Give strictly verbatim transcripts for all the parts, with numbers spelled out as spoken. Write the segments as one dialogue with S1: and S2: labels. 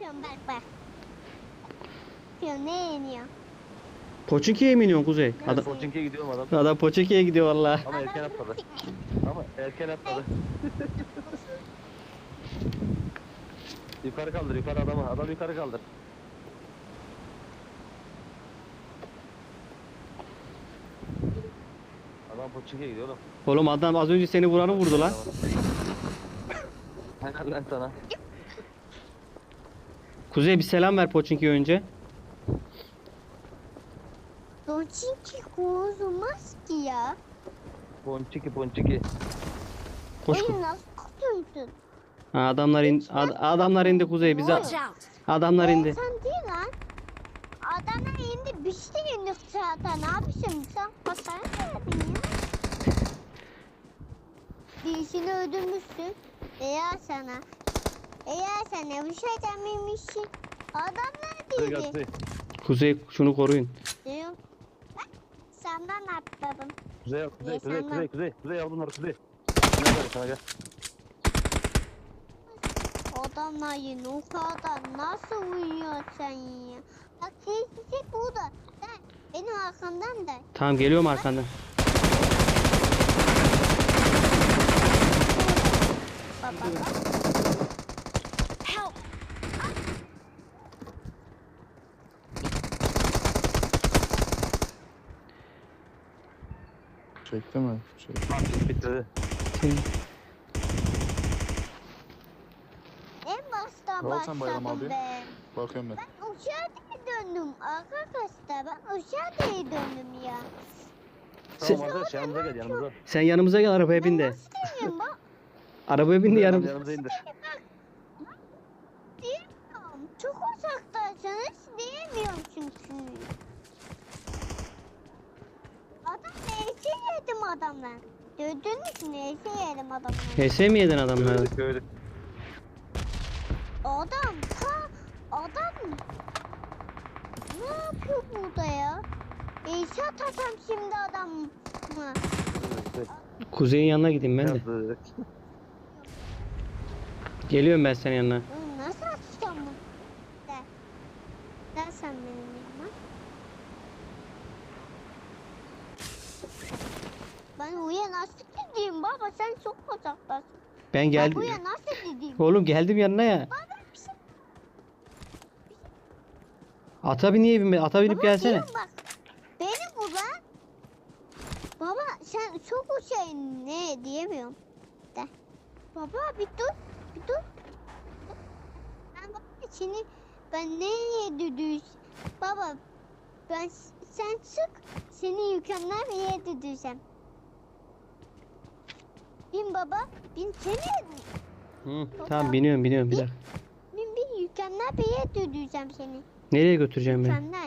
S1: yapıyorum bak bak. Yapıyorum ne yeniyor?
S2: Poçinki'ye mi iniyorsun Kuzey?
S1: Ben
S2: Adam,
S3: Pochinki'ye gidiyorum adam.
S2: adam Poçinki'ye gidiyor valla.
S3: Ama erken atladı. Ama erken atladı. Yukarı kaldır, yukarı adamı. Adam yukarı kaldır. Adam Pochinki'ye gidiyor oğlum.
S2: Oğlum adam az önce seni vuranı vurdu lan.
S3: Helal lan sana.
S2: Kuzey bir selam ver Poçinki'ye önce.
S1: Doçinki kozulmaz ki ya.
S3: Ponçiki, ponçiki.
S2: Koş.
S1: Oyun nasıl kutumsun?
S2: Ha, adamlar in, ad- adamlar indi Kuzey bize.
S4: Watch out!
S2: Adamlar indi.
S1: Sen değil lan. Adamlar indi bir şey indi zaten. Ne yapıyorsun sen? Hasar verdin ya. Birisini öldürmüşsün. Eğer sana. Eğer sana bir şey dememişsin. Adamlar
S3: Hadi
S1: değildi.
S3: Kuzey.
S2: Kuzey şunu koruyun.
S1: Diyor. Bak senden atladım.
S3: Kuzey, kuzey,
S1: Ya
S3: kuzey,
S1: sen
S3: kuzey,
S1: lan.
S3: kuzey, kuzey al bunları kuzey. Sana gel, sana gel.
S1: Adamlar yine o kadar nasıl uyuyor sen ya? Bak sesi burada. Sen benim arkamdan da.
S2: Tamam geliyorum arkandan.
S1: Baba bak.
S4: Help!
S5: Çekti mi? Çekti.
S3: Bitti.
S1: En baştan
S5: Ne oldu sen Bayram
S1: başladım
S5: abi?
S1: ben.
S5: Bakıyorum ben.
S1: Ben uçağa döndüm arkadaşlar. Ben uçağa döndüm ya.
S3: Tamam arkadaş yanımıza gel yanımıza.
S2: Sen yanımıza gel arabaya bin
S1: Ben
S2: de.
S1: nasıl diyeyim bak.
S2: Arabaya bin de yanımıza.
S3: Yanımıza indir.
S1: Diyemiyorum. Çok uzaktaysınız diyemiyorum çünkü. Adam neyse yedim adamdan. Gördünüz mü neyse yedim adamdan.
S2: H S mi yedin adamları?
S3: Gördük gördük.
S1: Adam ta adam ne yapıyor burada ya? İnşa atasam şimdi adam mı?
S2: Kuzey'in yanına gideyim ben de.
S3: Yazdık.
S2: Geliyorum ben senin yanına.
S1: Oğlum nasıl atacağım bunu? De. Gel sen benim yanıma. Ben oraya nasıl gideyim baba sen çok uzaktasın.
S2: Ben
S1: Ben
S2: geldim.
S1: buraya nasıl gideyim?
S2: Oğlum geldim yanına ya.
S1: Baba bir şey.
S2: Ata bin niye binme? Ata binip
S1: Baba
S2: gelsene.
S1: diyorum bak. Beni bu lan. Baba sen çok şey ne diyemiyorum. De. Baba bir dur. Bir dur. Ben bak seni ben nereye düdüğüz? Baba ben sen çık seni mükemmel bir yere düdüğüzem. Bin baba bin seni
S2: Hı, tamam biniyorum biniyorum bir dakika.
S1: bin bir mükemmel bir yere düdüğüzem seni.
S2: Nereye götüreceğim beni?
S1: Mükemmel.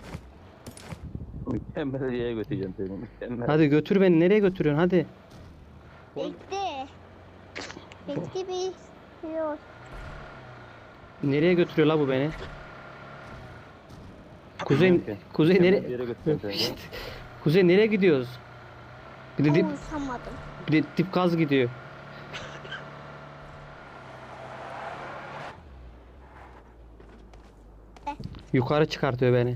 S3: Mükemmel yere götüreceğim seni. Mükemmel.
S2: Hadi götür beni. Nereye götürüyorsun? Hadi.
S1: Bekle. Bekle bir şey olsun.
S2: Nereye götürüyor la bu beni? Kuzey,
S3: Bilmiyorum ki.
S2: Kuzey
S3: Mükemmel bir
S2: nereye?
S3: yere götüreceğim seni.
S2: Kuzey nereye gidiyoruz? Bir de dip,
S1: Konuşamadım.
S2: bir de dip gaz gidiyor.
S1: Eh.
S2: Yukarı çıkartıyor beni.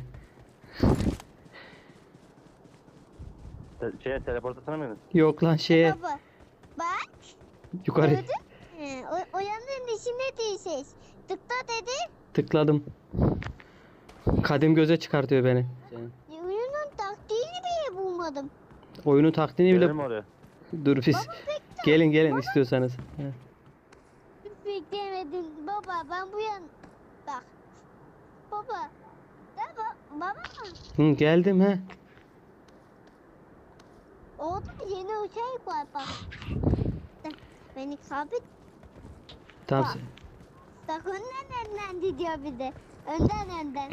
S3: Te- Şeye teleport atsana mı?
S2: Yok lan şeye
S1: Baba bak.
S2: yukarı
S1: Gördün mü? O, o yanın içinde değilsiniz. Tıkla dedi.
S2: tıkladım. Kadim göze çıkartıyor beni.
S1: Oyunun taktiğini bile bulmadım.
S2: Oyunun taktiğini bile
S3: Gelelim oraya.
S2: dur biz. Gelin gelin istiyorsanız. He.
S1: Beklemedim. Baba ben bu yan... Bak. Baba. Baba. Baba.
S2: Hı, geldim he.
S1: Orada yeni uçak var bak. Beni sabit.
S2: Tamam.
S1: Bak. Bak önden önden gidiyor bir de. Önden önden.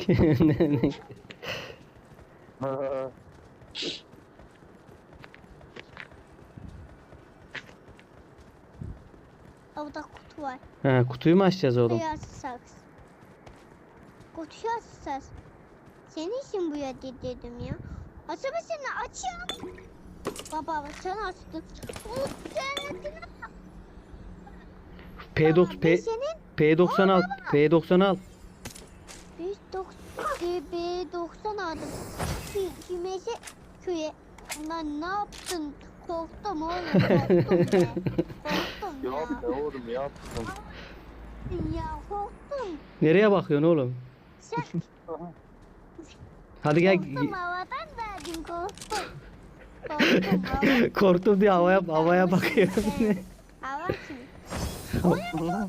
S1: Orada kutu var.
S2: ha, kutuyu mu açacağız oğlum?
S1: Kutuyu açacağız. Kutuyu açacağız. Senin için bu ya dedim ya. Açamasını açıyorum. Baba sen açtın. O sen
S2: P doksan
S1: Baba,
S2: P,
S1: biz senin
S2: P doksan al. P doksan al.
S1: kümesi köye. Lan ne yaptın? Korktum oğlum. Korktum ya. Korktum ya.
S3: Yapma oğlum yaptım.
S1: Ya korktum.
S2: Nereye bakıyorsun oğlum?
S1: Sen
S2: Hadi gel.
S1: korktum havadan verdim korktum. Korktum hava.
S2: Korktum diye havaya havaya bakıyor.
S1: Hava kim? Oraya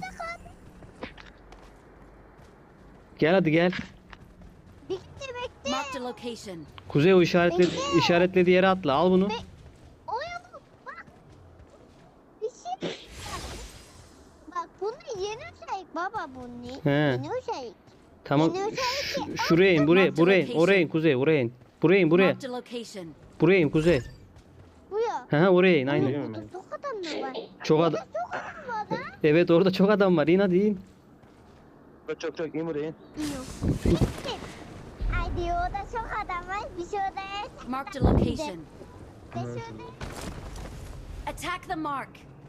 S2: Gel hadi gel.
S1: bekle bekle.
S4: Marked a location.
S2: Kuzey o işaretli
S1: Bekle.
S2: işaretlediği yere atla. Al bunu.
S1: Oraya bak. Bak. Bir şey. Bak bunu yeni özellik baba bunu.
S2: He.
S1: Yeni özellik.
S2: Tamam.
S1: Yeni özellik.
S2: Ş- şuraya in, buraya, buraya in. Oraya in Kuzey, oraya in. Buraya in, buraya.
S4: Marked a location.
S2: Buraya in Kuzey.
S1: Bu ya.
S2: Hı hı oraya in aynen.
S3: Değil mi?
S1: Burada çok adam mı var?
S2: Çok adam.
S1: Çok adam var lan.
S2: Evet orada çok adam var. İn hadi in.
S3: Çok çok çok iyi buraya.
S1: Yok. Hadi orada çok adam var. Biz orada
S4: Marked a location.
S1: Biz orada.
S4: Attack the mark.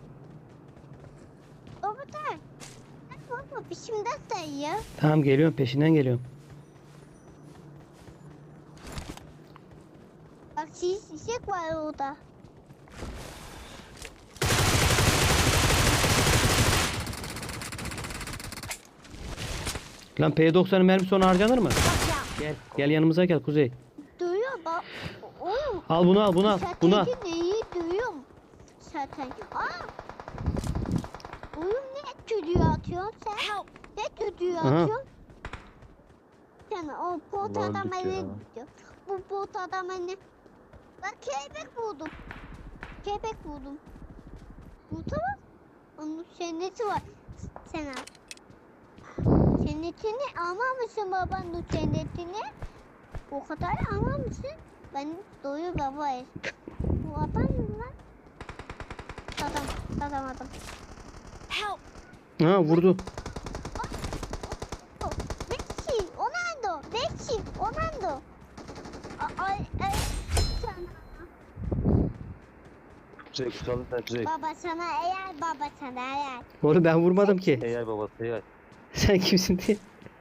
S1: O bu da. Baba peşimden sayıyor.
S2: Tamam geliyorum peşinden geliyorum.
S1: Bak şişek var orada.
S2: Lan P doksanın mermisi ona harcanır mı?
S4: Watch out.
S2: Gel. Gel yanımıza gel Kuzey.
S1: Duyuyor bak. Oğlum.
S2: Al bunu al bunu al. Bunu al.
S1: Zaten neyi duyuyorum. Zaten. Aa. Oğlum ne tüdüğü atıyorsun sen?
S4: Help.
S1: Ne tüdüğü
S2: Aha.
S1: atıyorsun? Sen o bot
S3: Ulan
S1: adam
S3: dik ya.
S1: ne gidiyor? Bu bot adam ne? Bak kelebek buldum. Kelebek buldum. Burada bak. Onun senneti var. Sen al. Sennetini almamışsın babanın sennetini. O kadar almamışsın. Ben doyu babayız. Bu adam mı lan? Adam, adam, adam.
S4: Help.
S2: Ha vurdu.
S1: O, Bekçi, Onando, Bekçi, Onando. A- Ay, ay, sana.
S3: Kuzey kusalım sen Kuzey.
S1: Baba sana eğer, baba sana eğer.
S2: Oğlum ben vurmadım ki.
S3: Eğer babası eğer.
S2: Sen kimsin diye.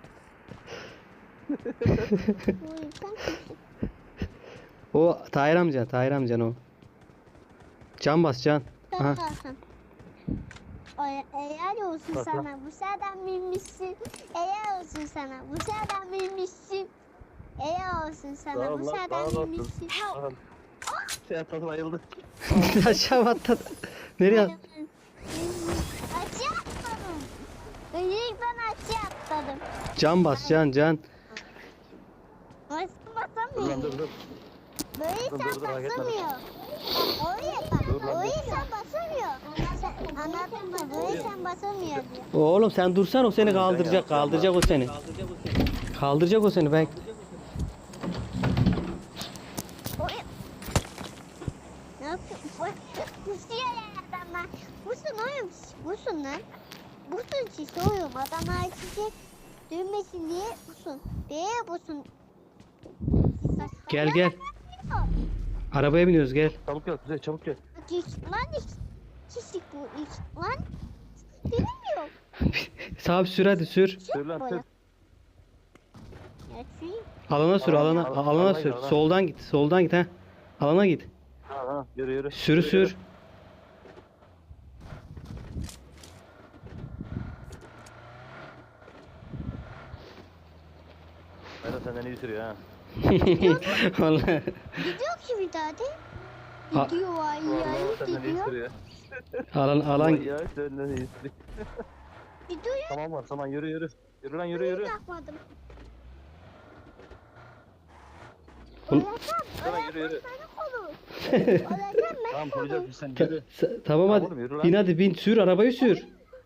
S1: Bu insan kimsin?
S2: O Tahir amcan, Tahir amcan o. Can bas can. Aha.
S1: Hakan. Ay, eğer olsun
S3: Bak,
S1: sana, bu sıradan bilmişsin. Eğer olsun sana, bu sıradan bilmişsin. Eğer olsun sana,
S3: Tamam
S1: bu
S3: lan,
S1: sıradan
S3: tamam lan.
S1: bilmişsin.
S3: Tamam. Sen tadı bayıldı.
S2: Aşağı atladı. Nereye at-
S1: Açı atladım. İlk ben açı atladım.
S2: Can bas can can.
S1: Nasıl
S3: Dur lan
S1: basamıyor?
S3: dur dur.
S1: Böyle
S3: Dur,
S1: sen
S3: dur, dur, hareket etme.
S1: basamıyor. Bak oraya bak.
S3: Dur lan,
S1: Oraya
S3: dur.
S1: sen basamıyor. Sen, anladın mı? Böyle sen basamıyor diyor.
S2: Oğlum sen dursan o seni kaldıracak, kaldıracak o seni. Kaldıracak o seni ben.
S1: Oraya. Ne yapıyorsun? Bak, kusuyor ya adamlar. Busun oğlum. Busun lan. Busun şişe oğlum. Adamlar şişe dönmesin diye busun. Diye busun.
S2: Gel gel. Arabaya biniyoruz gel.
S3: Çabuk gel Kuzey çabuk gel.
S1: Hiç, lan hiç. Kişik bu hiç. Lan. Bilmiyorum.
S2: Sağ sür hadi sür.
S3: Sür lan sür.
S1: Ya süreyim.
S2: Alana sür alana
S3: Alana,
S2: alana
S3: alana
S2: sür.
S3: git, alana.
S2: Soldan git. Soldan git ha. Alana git.
S3: Ha ha yürü yürü.
S2: Sür
S3: Yürü, yürü.
S2: sür.
S3: Berat senden iyi sürüyor ha.
S2: Vallahi.
S1: Gidiyor ki bir daha de.
S2: Ha-
S1: Gidiyor ay
S3: Vallahi
S1: ay
S3: senden iyi
S1: gidiyor.
S3: sürüyor.
S2: Alan alan
S3: Ya senden iyi sürüyor.
S1: Gidiyor ya.
S3: Tamam var tamam yürü yürü. Yürü lan yürü yürü.
S1: Takmadım.
S2: Oğlum-
S1: Öleceğim.
S3: Hemen yürü, yürü.
S1: Öleceğim ben olur. Öleceğim ben
S3: Tamam
S1: olur.
S3: koyacağız sen
S2: Ta-
S3: yürü.
S2: sa- tamam hadi.
S3: oğlum, yürü lan.
S2: Bin hadi bin sür arabayı sür.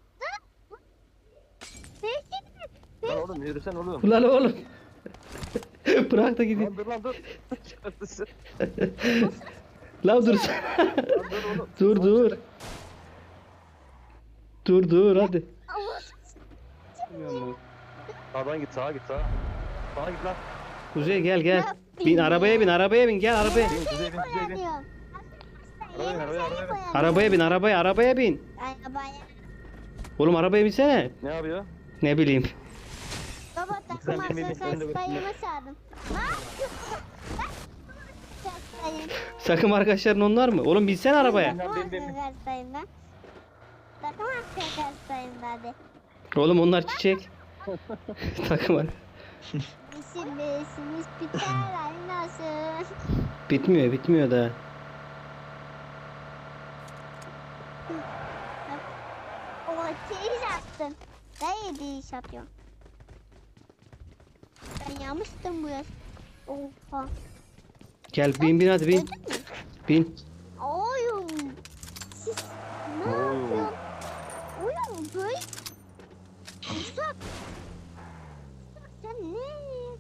S1: Belki
S3: Lan oğlum yürüsen oğlum.
S2: Ulan oğlum. Bırak da gideyim.
S3: Lan dur lan dur. Çıkartırsın.
S2: Lan dur.
S3: Lan dur oğlum.
S2: dur dur. Dur dur hadi.
S3: Sağdan git sağa git sağa. Sağa git lan.
S2: Kuzey gel gel. Bin arabaya bin arabaya bin gel arabaya.
S3: Bin kuzey bin kuzey bin.
S1: koyamıyorum.
S3: Arabaya bin, arabaya, arabaya bin.
S1: koyamıyorum.
S2: Arabaya bin arabaya arabaya bin.
S1: Arabaya.
S2: Oğlum arabaya binsene.
S3: Ne yapıyor?
S2: Ne bileyim.
S1: Baba takım
S3: Sen benim
S1: arkadaşlar
S3: elimden de
S1: sayımı sardım. Ne yapıyorsun? Sayın.
S2: Takım arkadaşların onlar mı? Oğlum binsene arabaya.
S1: Takım
S3: bin, bin, bin.
S1: arkadaşlarım ben. Takım arkadaşlarım hadi.
S2: Oğlum onlar çiçek. Takım ar-
S1: İsim besimiz biter ay nasıl?
S2: Bitmiyor bitmiyor da.
S1: O iş attın. Ben yedi iş atıyorum. Ben yanmıştım bu yaz. Oha.
S2: Gel bin bin hadi bin.
S1: Gördün mü?
S2: Bin.
S1: Oyun. Siz ne
S3: Oo.
S1: yapıyorsun? Oyun böyle. Uzak. Sen ne?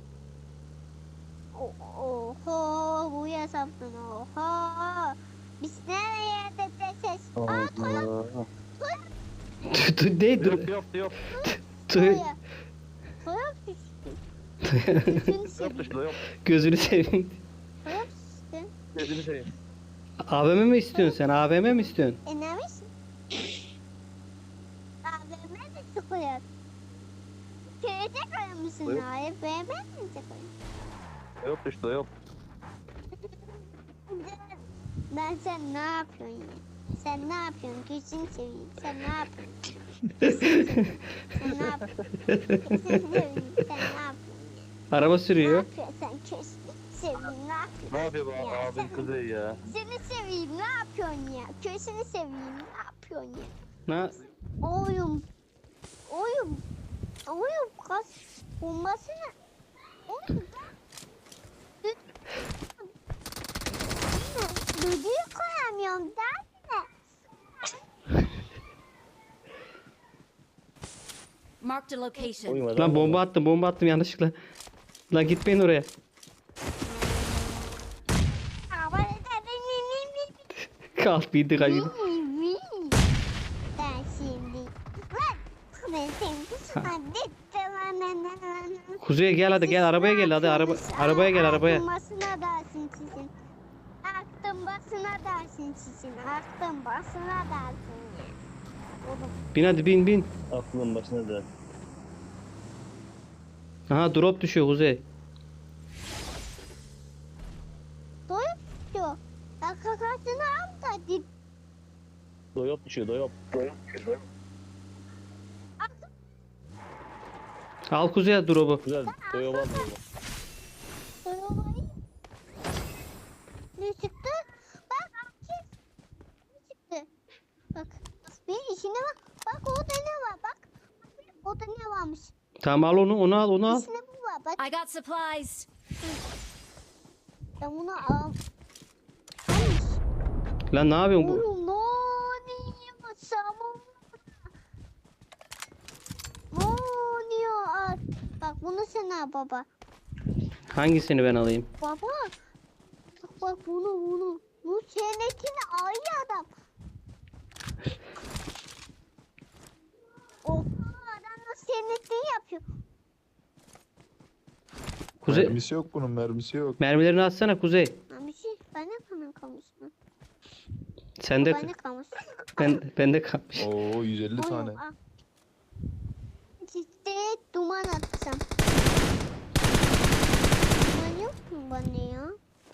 S1: O- Oho bu yasaktın oha. Biz nereye de ses? Aa Toyota.
S3: Allah.
S2: Dur, dur, ne dur.
S3: Yok yok yok.
S2: Dur.
S1: Toyota. Toyota düştü. Gözünü
S3: Yok
S1: seveyim.
S3: dışında yok.
S2: Gözünü seveyim.
S1: Toyota düştü.
S3: Gözünü seveyim.
S2: A V M mi istiyorsun sen? A V M mi istiyorsun?
S1: E ne misin? A V M mi çıkıyor? Köyde koyar mısın
S3: Buyur.
S1: A V M mi çıkıyor?
S3: Yok dışında yok.
S1: Ben sen ne yapıyorsun ya? Sen ne yapıyorsun? Gözünü seveyim. Sen ne yapıyorsun? Gözünü seveyim. Sen ne yapıyorsun? Gözünü seveyim. Sen ne yapıyorsun ya?
S2: Araba
S1: Ne
S2: sürüyor.
S1: yapıyorsun sen? Gözünü seveyim. Ne yapıyorsun?
S3: Ne yapıyor bu
S1: Ya
S3: abin
S1: sen-
S3: kızı ya?
S1: Seni seveyim. Ne yapıyorsun ya? Gözünü seveyim. Ne yapıyorsun ya?
S2: Na
S1: Oyun. Oyun. Oyun kas bombasını. Oyun. Düdüğü koyamıyorum derdi de.
S4: Marked a location.
S3: Uyumadı.
S2: lan bomba attım bomba attım yanlışlıkla. Lan gitmeyin oraya.
S1: Ama da
S2: Kalk bindi kaçın.
S1: ben şimdi. Lan. Ben seni. Hadi tamam.
S2: Kuzey'e gel hadi gel arabaya gel hadi araba arabaya gel arabaya.
S1: Aklın basına dersin sizin. Aklın basına dersin sizin. Aklın basına dersin ya. Oğlum.
S2: Bin hadi bin bin.
S3: Aklın başına da.
S2: Aha drop düşüyor Kuzey.
S1: Doyup diyor. Ya kakasını al da dip.
S3: Doyop düşüyor doyop. Doyop düşüyor.
S2: Al Kuzey'e drop'u.
S3: Güzel doyop al.
S1: Doyumayı. Ne çıktı? Bak akif. Ne çıktı? Bak. Bir işine bak. Bak orada ne var bak. Orada ne varmış?
S2: Tamam al onu onu al onu al.
S1: İçine bu var bak.
S4: I got supplies.
S1: Ben bunu al. Almış.
S2: Lan ne yapıyorsun bu?
S1: Oğlum ne oluyor? Samum. Ne oluyor? Al. Bak bunu sen al baba.
S2: Hangisini ben alayım?
S1: Baba. Bak bak bunu bunu. Bu senetini aynı adam. Oha adam da senetini yapıyor.
S2: Kuzey
S5: Mermisi yok bunun mermisi yok.
S2: mermilerini atsana Kuzey.
S1: Lan bir şey bana kalan kalmış mı?
S2: Sende
S1: Bana kalmış.
S2: ben bende kalmış.
S5: Oo yüz elli
S1: Oğlum,
S5: tane.
S1: al. Ciddi duman atacağım. Duman yok mu bana ya?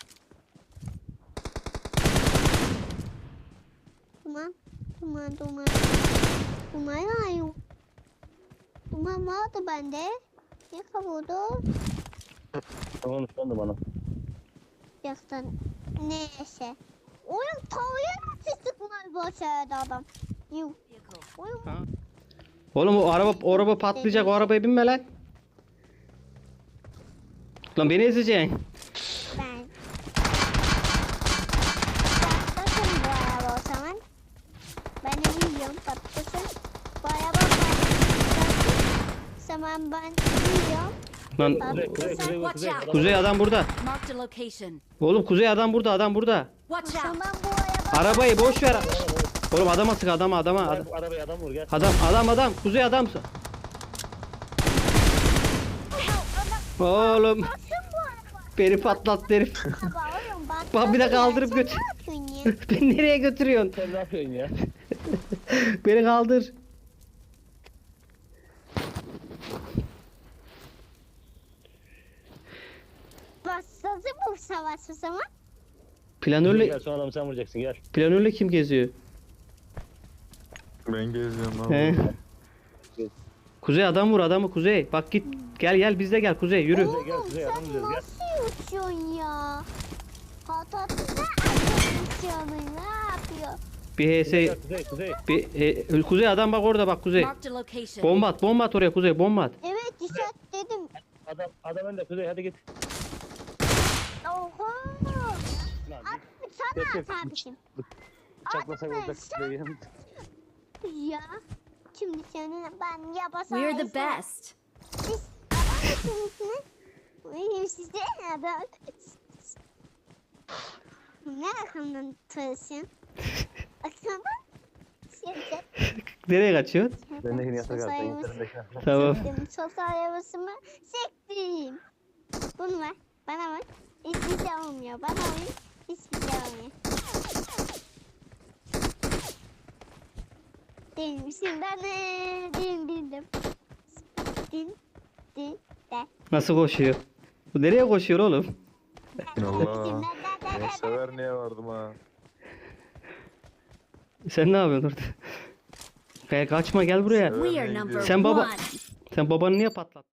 S1: Duman, duman, duman. Duman var yok. Duman vardı bende. Ne kavurdu?
S3: Tamam şu anda bana.
S1: Yaktan. Neyse. Oyun tavuğa nasıl sıkmaz başardı adam. Yuh. Oyun
S2: Oğlum o araba o araba patlayacak o arabaya binme lan. Lan beni ezeceksin.
S1: ben. Patlasın bu araba o zaman. Ben de biliyorum patlasın. Bu araba patlasın. Zaman ben biliyorum.
S2: Lan
S3: Kuzey kuzey kuzey
S4: Watch
S3: kuzey.
S4: out.
S2: Kuzey adam burada.
S4: Marked a location.
S2: Oğlum Kuzey adam burada adam burada.
S4: Watch out.
S1: Zaman bu araba.
S2: Arabayı boş ver. Oğlum adama sık adama adama. Adam
S3: Gel bu arabaya adam vur gel.
S2: adam adam, adam. Kuzey adam. Oğlum
S1: Basın bu araba.
S2: beni patlattı herif.
S1: Araba oğlum bak.
S2: Bak bir de kaldırıp
S1: Sen
S2: götür.
S1: Ne yapıyorsun ya?
S2: Beni nereye götürüyorsun?
S3: Sen ne yapıyorsun ya?
S2: Beni kaldır.
S1: Başladı bu savaş o zaman.
S2: Planörle
S3: Gel son adamı sen vuracaksın gel.
S2: planörle kim geziyor?
S5: Ben geziyorum
S2: He.
S5: abi.
S2: Kuzey adam vur adamı Kuzey. Bak git gel gel bizde gel Kuzey yürü.
S3: Kuzey, gel,
S1: Oğlum
S3: Kuzey,
S1: sen
S3: adam gidiyoruz, gel.
S1: nasıl uçuyorsun ya? Patatına uçuyorsun ne yapıyor?
S2: Bir H S
S3: Gel, Kuzey Kuzey.
S2: bir e, Kuzey adam bak orada bak Kuzey.
S4: Marked a location.
S2: Bomba at bomba at oraya Kuzey bomba at.
S1: Evet işaret dedim.
S3: Adam adam önde Kuzey hadi git.
S1: Oho.
S3: Lan
S1: Abi sana
S3: Geç, geç.
S1: kardeşim.
S3: bıçaklasak
S1: Atma,
S3: olacak
S1: sen-
S3: Kuzey'i.
S1: Ya. Şimdi senin ben yapasam.
S4: We're the best.
S1: Siz adam mısınız? Benim size adam. Ne arkamdan tutuyorsun? Arkamdan. Şimdi.
S2: Nereye kaçıyorsun?
S3: Bendekini yasak
S1: Sosyal
S3: artık.
S1: yapısı-
S3: İnternetteki.
S2: Tamam.
S1: Siktim, sosyal yapısımı sektim. Bunu ver. Bana ver. Hiçbir şey olmuyor. Bana ver. Hiçbir şey olmuyor. Değilmişim ben de. Din bildim. Din. Din. De.
S2: Nasıl koşuyor? Bu nereye koşuyor oğlum?
S5: Allah. Ben sever niye vardım ha.
S2: Sen ne yapıyorsun orada? Gel kaçma gel buraya.
S4: We are number
S2: Sen baba
S4: one.
S2: sen babanı niye patlattın?